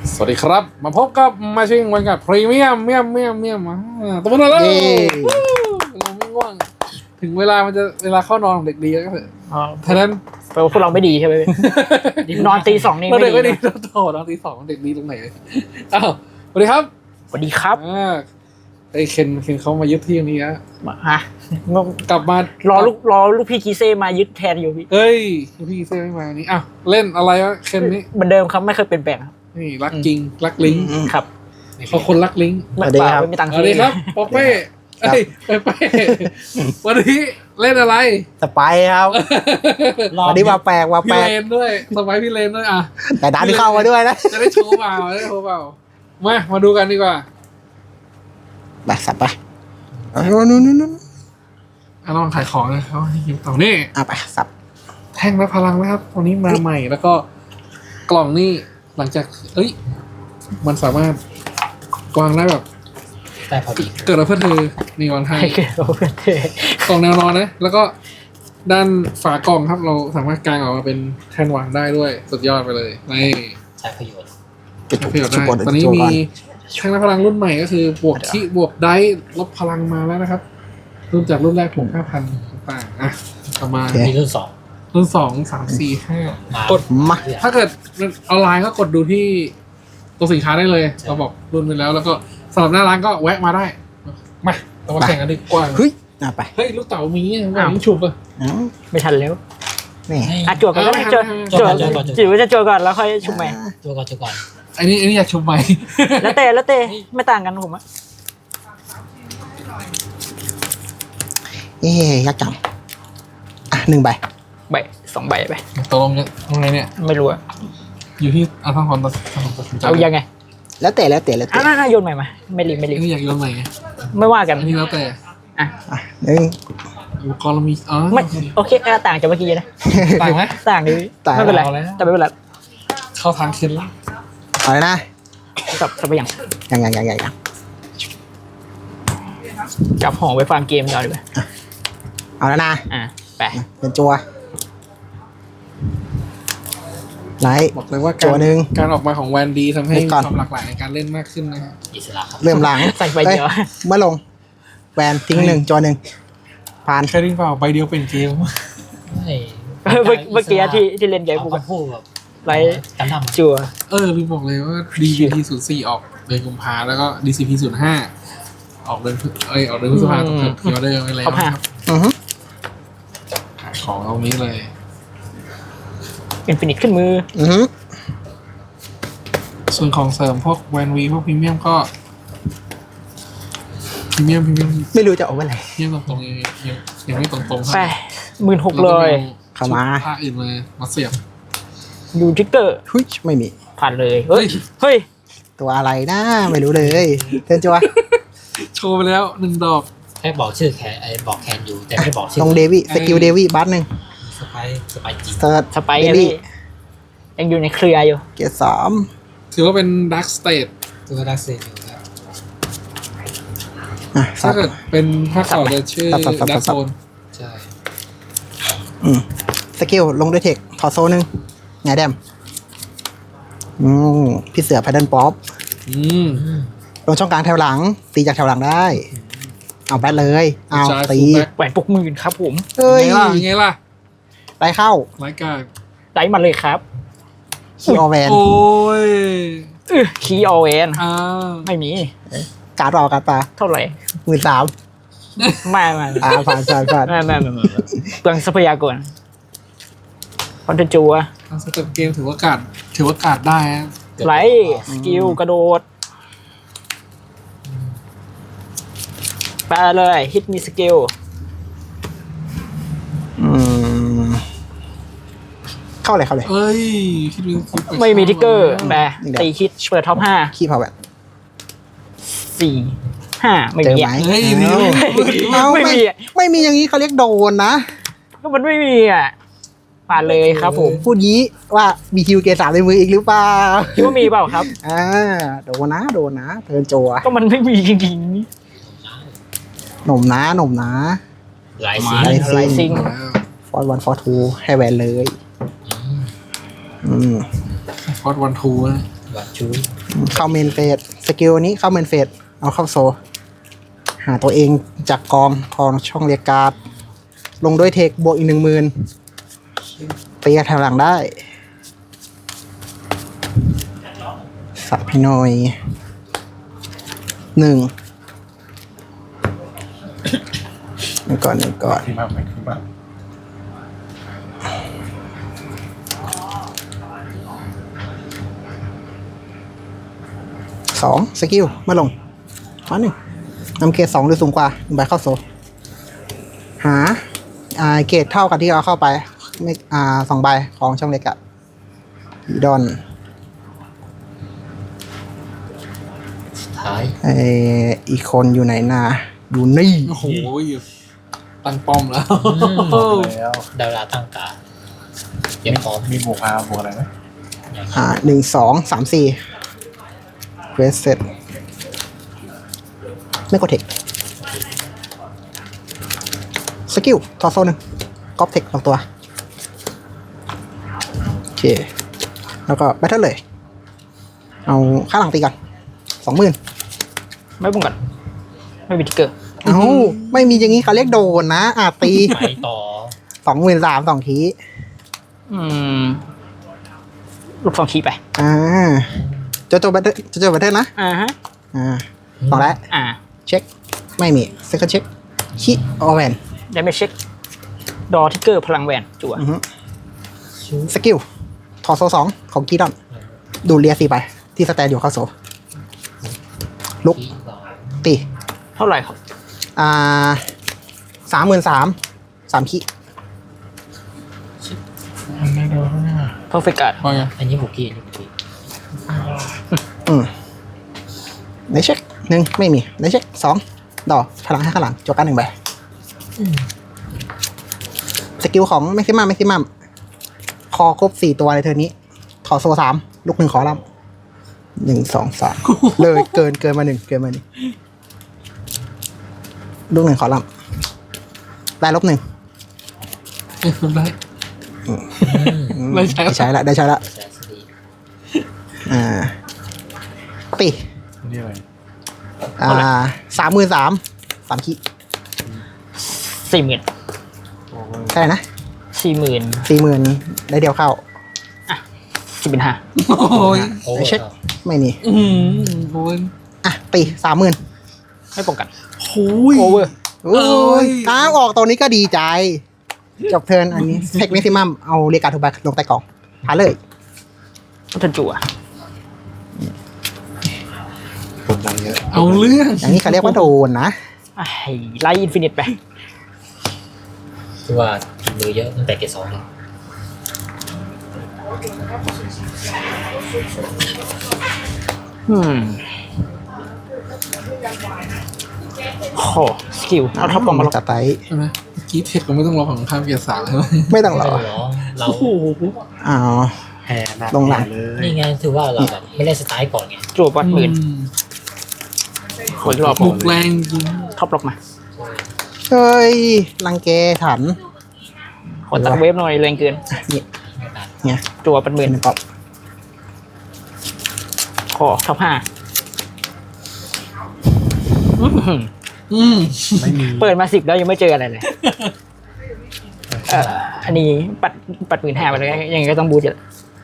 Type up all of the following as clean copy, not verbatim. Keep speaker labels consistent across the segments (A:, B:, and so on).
A: สวัสดีครับมาพบกับมาชิงวันกับพรีเมียมเมียมตัวนั้นแล้วเราไม่ง่วงถึงเวลามันจะเวลาเข้านอนของเด็กดีแล้วก็เถอะฉะนั้น
B: แปลว่าพวกเราไม่ดีใช่ไหม นอนตีสองนี่ไม่ดี
A: โตนอนตีสองเด็กดีตรงไหนอ้าวสวัสดีครับ
B: สวัสดีครับ
A: ไอ้เคนเขามายึดที่ตรงนี้ฮะกลับมาร
B: อลูกพี่กีเซ่มายึดแทนอยู่พี่
A: เฮ้ยพี่เซ่ไม่มานี่อ้าวเล่นอะไรวะเคนนี้
B: เหมือนเดิมครับไม่เคยเปลี่ยนแปลง
A: นี่รักจริงรักลิง
B: ครับ
A: เขาคนรักลิง
B: สวัสดีครับไม่มีตังค์
A: สวัสดีครับป๊อปเป้เอ้ยเป้วันนี้เล่นอะไร
C: สไปครับวันนี้มาแปลก
A: พี่เลนด้วยสไปพี่เลนด้วยอ่ะ
C: แต่ดันเข้ามาด้วยนะ
A: จะได้โชว์เปล่ามาดูกันดีกว่า
C: ไปสับไปนู่น
A: ลองขายของเลยเขาให้ยิ้มต่อนี่
C: ไปสับ
A: แท่งและพลังนะครับวันนี้มาใหม่แล้วก็กล่องนี่หลังจากมันสามารถวางได้แบบ
D: แต่พอดี
A: เกิดมาเพื่อเธอนี่วางให้
B: เกิดมาเพื่อเธ
A: อกล่องแนวนอนนะแล้วก็ด้านฝากล่องครับเราสามารถกางออกมาเป็นแท่นวางได้ด้วยสุดยอดไปเลยนี่
D: ใช้ประโยชน์
A: ได้ตอนนี้มีแท่งและพลังรุ่นใหม่ก็คือบวกขี้บวกได้ลบพลังมาแล้วนะครับรุ่นจากรุ่นแรกผม 5,000 ต่างต่อมา
D: มีรุ่น
A: 2 3 4 5กด
C: มา
A: ถ้าเกิดออนไลน์ก็กดดูที่ตัวสินค้าได้เลยเราบอกรุ่นไปแล้วก็สำหรับหน้าร้านก็แวะมาได้มาเรามาแข่งกันดีกว่า
C: เฮ้ยไป
A: ลูกเต๋ามีแบบนี้ชุบ
B: ไม่ทันแล้ว
C: นี่
B: จวดก่อนก็ได้จิ๋วจะจวดก่อนแล้วค่อยชุบใหม่
D: จวดก่อน
A: อันนี้อยากชุบใหม่
B: แล้วเตะไม่ต่างกันผม
C: ยักษ์จัง1 ใบ
B: 2 ใบไป
A: ตกลงยังไงเนี่ย
B: ไม่รู้อะ
A: อยู่ที่ทั้งคนตัดสินใจ
B: เอายังไง
C: แล้วแต่
B: น่าโยนใหม่มาไม่รี
A: นี่อยากโยนใหม่
B: ไม่ว่ากัน
A: นี่แล้วแต่
C: 1
A: อุปกรณ์เรามี
B: ไม่โอเคต่างจากเมื่อกี้นะ
A: ต่างไหม
B: ต่างดิไม่เป็นไรแต่ไม่เป็นไร
A: เข้าทางขึ้นแล้ว
C: อะไรนะ
B: สับไปยังจับห่อไว้ฟังเกมก่อนดีกว่า
C: เอาแล้วนะ
B: ไป
C: เป็นจัวไลท์
A: บอกเลยว่า
C: จัวนึง
A: การออกมาของแวนดีทำให้มีความหลากหลายในการเล่นมากขึ้นนะฮะ
D: อิสระครับ
C: เริ่มหลัง
B: ใส่ใบเดียว
C: เมื่อลงแวนทิ้ง1จัว1ผ่าน
A: แค่ดิ้งเปล่าใบเดียวเป็นเกม
B: เมื่อกี้ที่เล่นใหญ่ปุ๊บ
D: แบบ
B: ไลท์จัว
A: ลืมบอกเลยว่า DCP04 ออกเดือนกุมภาแล้วก็ DCP05 ออกเดือนพฤษภาคมที่ออเดอร์ไปแล้วครับของเอานี้เลย
B: อินฟินิตขึ้นมือ
A: ส่วนของเสริมพวกแวนวีพวกพรีเมียมก็พรีเมียม
C: ไม่รู้จะเอาอะไร
A: เทียบตรงยังไม่ตรง
B: ไป16,000เลย
C: เข้ามา
A: ผ้าอื่นมาเสียบ
B: ดูทิกเกอร์
C: ไม่มี
B: ผ่านเลยเฮ้ย
C: ตัวอะไรนะไม่รู้เลยเทิร์นจัว
A: โชว์ไปแล้ว1 ดอก
D: แค่บอกชื่อแคนบอกแคนอยู่แต่ไม่บอกชื่อ
C: ลงเดวี่สกิลเดวี่บัส1
D: สไปจริง
B: สไปเดวี่ยังอยู่ในเครืออยู่
C: เกียร์3
A: ถือว่าเป็นดักสเตท
D: ตัวดักสเตทอยู่ครับ
A: ถ้าเกิดเป็นภาคต่อจะชื่อดักโซน
D: ใช่
C: สกิลลงด้วยเทคถอดโซนึงไงแดมพี่เสือแพดเดิลป๊อปลงช่องกลางแถวหลังตีจากแถวหลังได้เอาแบทเลยเอาตี
B: แหวน60,000ครับผม
A: ไงล่ะ
C: ไล่เข้า
A: ไล่กา
B: ไล่มาเลยครับ
C: คีออแวน
A: โอ้ย
B: คีออแวนไม่มี
C: การ์ดออกการ์ดปลา
B: เท่าไหร่
C: 13,000
B: ไม่
C: ผ่าน
B: นั่นเปลืองทรัพยากรคอนเทนจัว
A: สเต็ปเกมถือว่ากาดได้
B: ไลสกิลกระโดดไปเลยฮิตมีสกิล
C: เข้าเลย
B: ไม่มีทิกเกอร์แบตีฮิตเปิดท็อป5
C: ขี้เผาแบบ
B: 4-5ไม่มี
C: ไม่มีอย่างนี้เขาเรียกโดนนะ
B: ก็มันไม่มีผ่านเลยครับผม
C: พูดงี้ว่ามีคิวเก3ในมืออีกหรือเปล่า
B: คิดว่ามีเปล่าครับ
C: โดนนะเทิร์นจัว
B: ก็มันไม่มีจริง
C: ๆหนุ่มนะ
D: ไล
B: ซิง
C: ฟอร์1 ฟอร์2ให้แวนเลย
A: ฟอร์1 2
D: วัดชู
C: เข้าเมนเฟสสกิลนี้เข้าเมนเฟสเอาเข้าโซ หาตัวเองจากกองช่องเรียกการ์ดลงด้วยเทคบวกอีก10,000ตีแถวหลังได้สับพี่หน่อย1ก่อน
A: ที่มากไปที่มาก
C: 2สกิลมาลงมา1นำเกรด2หรือสูงกว่า1ใบเข้าโซหาเกรดเท่ากับที่เราเข้าไปไม่2ใบของช่องเล็กอะดอน
D: สุดท้าย
C: อีกคนอยู่ไหนนาอยู่นี่
A: โอ้โหตั้งป้อมแล้ว
E: แล้ว
D: ดาวราตั้งกาเตรียมพร้อม
E: มีบวกอาบวกอะไรไหม
C: 1 2 3 4เควสเสร็จไม่กดเทคสกิลทอโซ1ก๊อปเทคลงตัวโอเคแล้วก็แบทเทิลเลยเอาค่าหลังตีก่อน 20,000
B: ไม่ป้องกันไม่มีทิกเกอร์
C: เอ้าไม่มีอย่างนี้เขาเรียกโดนนะตี
D: ไปต่อ
C: 23,000 2 ที
B: ลูกฟองขี้ไป
C: จบแบทเทิลนะ
B: ฮะ
C: ต่อแล้ว เช็ค ไม่มีเซคันด์เช็คคิออแวน
B: ได้ไม่เช็คดอทิกเกอร์พลังแหวนจั่ว
C: สกิลทอโซ2ของกีดอนดูเรีย4ไป ที่สแตนอยู่เข้าโซ ลุก
D: ที่สอง
C: ตี
B: เท่าไหร่ครับ
C: 33,000 3 ขี
E: ไม่โดน
B: เพอร์เฟกต์การ์ด
A: พอไง
D: อันนี้บุกี้อันนี้บุกี้
C: ได้เช็ค1ไม่มีได้เช็ค2ดอกพลังให้ข้างหลังจบการ1ใบสกิลของแม็กซิมัมคอครบ4ตัวในเทอร์นี้ทอโซ3ลูก1ขอลำ1 2 3เลยเกินมา1ลูก1ขอลำได้ลบ1
A: ได้ไม่ใช่
C: ได้ใช้ละ
D: แสนสตี
C: ตี
E: นี่อะไร
C: 33,000 3 ขี
B: 40,000
C: เท่าไหร่นะ
B: 40,000
C: 40,000 ได้เดียวเข้า
B: 10,500
A: โอ้ย
D: โอ้
C: ได้เช็ค ไม่มี
A: โอ้ย
C: ตี30,000
B: ไม่ป้องกัน
A: โอ้ย
B: โอเวอร์
C: โอ้ยออกตัวนี้ก็ดีใจ จบเทิร์นอันนี้เทคแม็กซิมัมเอาเรียกการ์ดทุกใบลงใต้กล่องหาเลย
B: ก็จะจั่ว
E: กดดันเยอะ
A: เอาเรื่อง
C: อย่างนี้เขาเรียกว่าโดนนะ
B: ไล่อินฟินิตไป
D: คือว่ากินมือเยอะตั้งแต่เกรด2เลย
B: โอ้สกิลเอาท็อปกล่องมาลง
C: จัดไต
A: ใช่ไหมเมื่อกี้เทคเราไม่ต้องรอของข้ามเกียร์3ใช่ไหม
C: ไม่ต้องร
D: ไม่
C: อ
D: ต้องหรอเรา
C: อ้าว
E: แพ้หนัก
C: ลงหลัง
E: เลย
D: นี่ไงถือว่าเราแบบไม่ได้สไตล์ก่อนไง
B: จั่ว8,000คนรอบ
A: บุกแรงจริง
B: ท็อปล็อกมา
C: เฮ้ยรังแกถัน
B: ขอตัดเวฟหน่อยแรงเกิน
C: นี่
D: ไม่ตัด
C: เนี่ย
B: จั่ว8,000
C: เป็นป๊อป
B: ขอท็อป5
E: ไม่มี
B: เปิดมา10แล้วยังไม่เจออะไรเลยอันนี้ปัด15,000ไปเลยยังไงก็ต้องบูทอยู่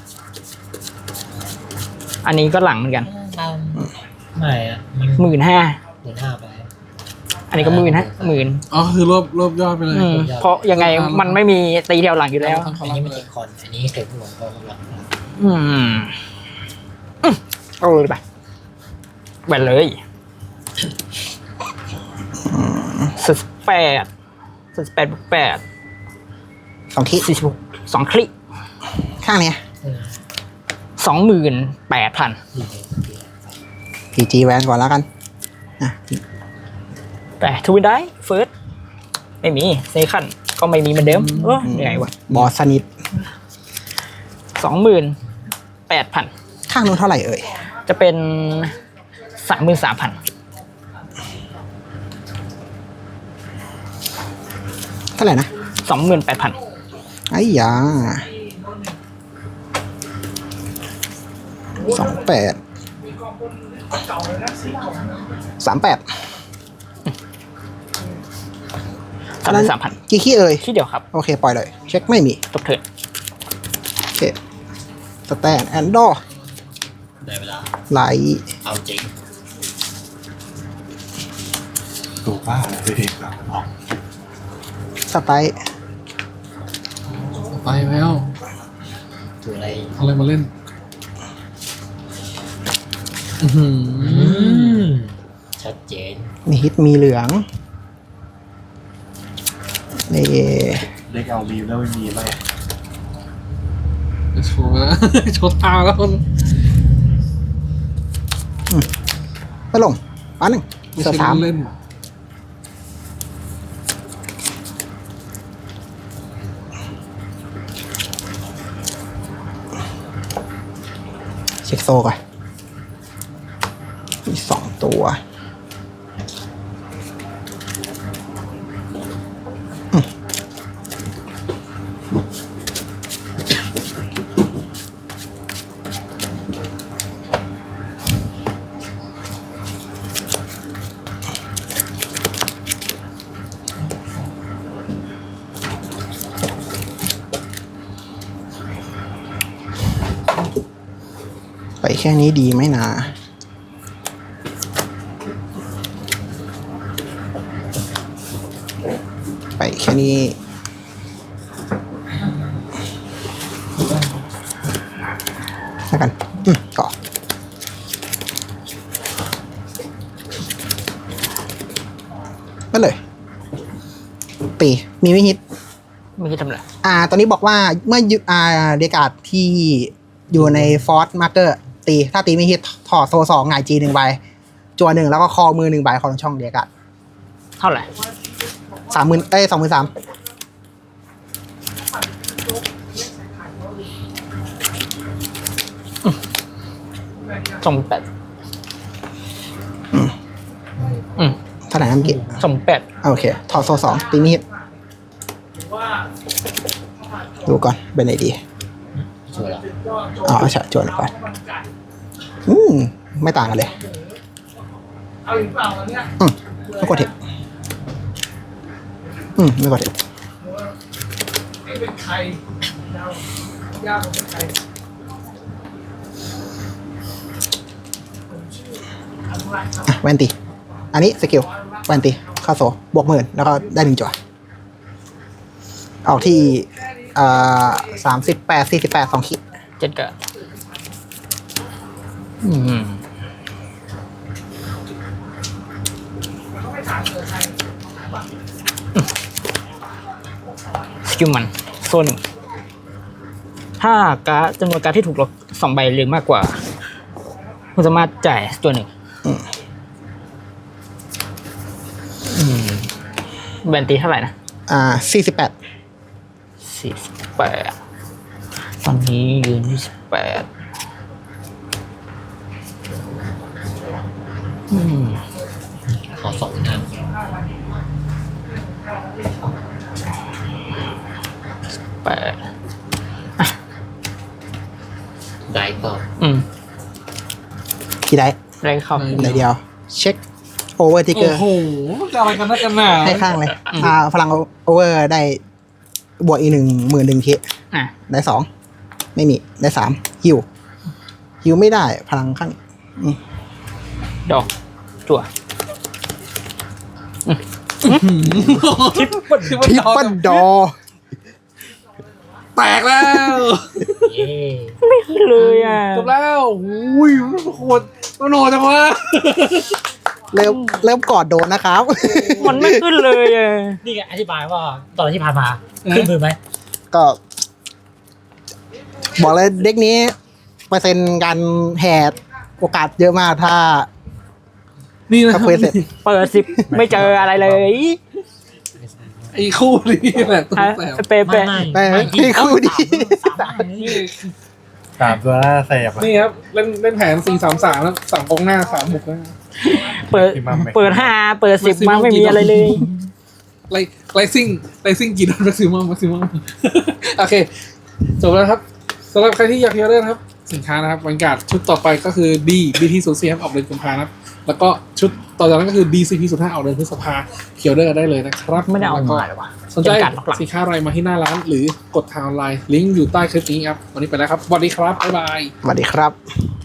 B: อันนี้ก็หลังเหมือนกัน
D: ไม่อะมัน
B: 15,000
D: 15,000ไป
B: อันนี้ก็10,000
A: อ๋อคือรวบยอดไปเลย
B: เพราะยังไงมันไม่มีตีเดียวหลังอยู่แล้ว
D: อันนี้ไม่ติดคอนอันนี้เข็มหลวงก็หลัง
B: เอาเลยไปแบนเลย48 8
C: 2 ที่
B: 46 2คลิก
C: ข้างเนี้ย
B: 28,000
C: PG แวนก่อนแล้วกันอ่ะ
B: แต่ทวินได้เฟิร์สไม่มีเซคันก็ไม่มีเหมือนเดิมเหนื่อยวะ
C: บอสสนิท
B: 28,000
C: ข้างนู้นเท่าไหร่เอ่ย
B: จะเป็น 33,000
C: เท่าไหร่นะ
B: 28,000
C: ไอ้ยา 28 38
B: 3,000
C: กี่ขี้เอ่ย
B: ที่เดียวครับ
C: โอเค ปล่อยเลย เช็คไม่มี
B: ตบเถิด
C: โอเคสแตนแอนดอร์
D: ได้เวลา
C: ไหล
D: เอาจริง
E: ตัวบ้าเลยเด็กแบบออก
C: สไตล์
A: ไปแล้ว
D: ตัวอะไร
A: เอาอะไรมาเล่น อื้อหือ
D: ชัดเจน
C: มีฮิตมีเหลืองนี่
E: เด็กเอามีแล้วไม่มีไหม
A: โชว์แล้ว โชว์ทางแล้วคน
C: ไปลงป้าหนึ่งเสือสาม
A: เล่น
C: เช็คโซก่อนมี2 ตัวไปแค่นี้ดีไหมนะไปแค่นี้แล้วกันต่อไปเลยตีมีไม่ฮิต
B: ไม่คิดทำอะไร
C: ตอนนี้บอกว่าเมื่อเดกาดที่อยู่ในฟอร์สมาร์เกอร์ตี ถ้าตีไม่ฮิตถอดโซ2หงายจี1ใบจัว1แล้วก็คอมือ1ใบของช่องเดกาด
B: เท่าไหร่
C: 20,000 23,000
B: 28
C: เท่าไหร่นะเมื่อกี้
B: 28
C: โอเค ถอดโซ2ตีไม่ฮิตดูก่อนเป็นไหนดี
D: ชัวร์แล้ว
C: เอาใช่จวนก่อนไม่ต่างกันเลยไม่กดเทคไม่กดเทคแวนตีอันนี้สกิลแวนตีเข้าโซบวก10,000แล้วก็ได้1 จั่วออกที่38 48 2 ขีด
B: เจ็ดเกิดสกิลมันโซนถ้าการ์ดจำนวนการ์ดที่ถูกลบ2 ใบหรือมากกว่าคุณสามารถจ่ายตัวหนึ่งแบนตีเท่าไหร่นะ
C: 48
B: 48ตอนนี้ยืนที่18
D: ขอ2 หน้า ได้ก็
C: กี่ได้
B: ได้เข้า
C: ไหนเดียว เช็คโอเวอร์ทิกเกอ
A: โอ้
C: ร์
A: โหจะอะไรกันนักกันหนา
C: ให้ข้างเลยพลังโอเวอร์ได้บวกอีก10,000ที
B: อ่ะ
C: ได้ 2 ไม่มีได้3ฮิวไม่ได้พลังข้าง
B: ดอกจั่ว
A: ทิป
C: ทริปเปิลดอ
A: แตกแล้ว
D: เย้
B: ไม่ขึ้นเลยอ่ะ
A: จบแล้วอุ้ยโคตรโหดจังวะ
C: เริ่มกอดโดนนะครับ
B: มันไม่ขึ้นเลยอ่ะ
D: นี่ไงอธิบายว่าตอนที่ผ่านมาขึ้นมือไหม
C: ก็ บอกเลยเด็กนี้เปอร์เซ็นต์การแหกโอกาสเยอะมากถ้า
A: นี่นะ
C: ถ้าเควสเสร็จ
B: เปิด10ไม่เจออะไรเลย
A: ไอ้คู่นี้แหละตัว
B: ฮะ
A: แสบ
B: เป๊ะ
C: ให้คู่ดี
A: นี่
E: 3 ตัวหน้าแสบอ่ะ
A: นี่ครับเล่นแผน4-3-3แล้ว3กองหน้า3บุกนะ
B: เปิด5เปิด10มาไม่มีอะไรเลย
A: ไลซิ่งกี่ดอลแม็กซิมัมโอเคจบแล้วครับสำหรับใครที่อยากเฮียร์เล่นครับสินค้านะครับวันการ์ดชุดต่อไปก็คือ D BT 0 4ครับออกเดือนกุมภาพันธ์นะครับแล้วก็ชุดต่อจากนั้นก็คือ DCP 0 5ออกเดือนพฤษภาเขียวเดอร์ได้เลยนะครับ
B: ไม่ได้เอา
A: แล้วก็
B: มาเลยวะ
A: สนใจ
B: เป็นการล็อกหลัง
A: สินค้าอะไรมาที่หน้าร้าน หรือกดทางออนไลน์ลิงก์อยู่ใต้คลิปนี้ครับวันนี้ไปแล้วครับสวัสดีครับบ๊ายบาย
C: สวัสดีครับ